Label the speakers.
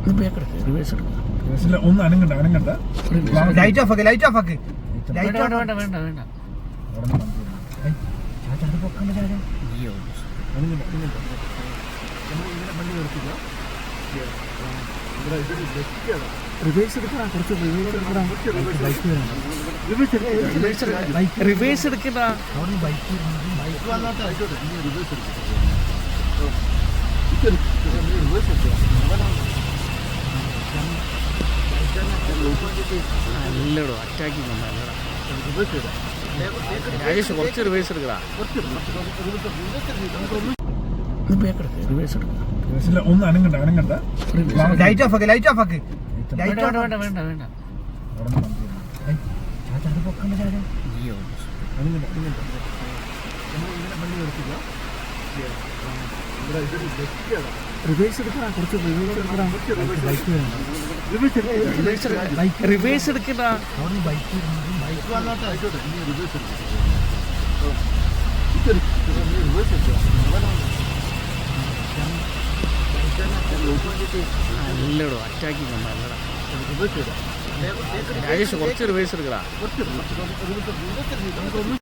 Speaker 1: ഒന്ന് അനങ്ങണ്ട
Speaker 2: light of ആക്ക്
Speaker 3: വേണ്ട റിവേഴ്സ് എടുക്കടാ, കുറച്ച് റിവേഴ്സ് എടുക്കടാ. നല്ലടോ അറ്റാക്കിങ് നല്ലടാ രാജേഷ്, കുറച്ച് റിവേഴ്സ് എടുക്കടാ. റിവേഴ്സ് എടുക്കാം.
Speaker 1: ഒന്ന് അനങ്ങണ്ട
Speaker 2: ലൈറ്റ് ഓഫ് ആക്ക്
Speaker 3: വേണ്ട റിവേഴ്സ് എടുക്കടാ, കുറച്ച് റിവേഴ്സ് എടുക്കടാ. നല്ലടോ അറ്റാക്കിങ് നല്ലടാ രാജേഷ്, കുറച്ച് റിവേഴ്സ് എടുക്കടാ.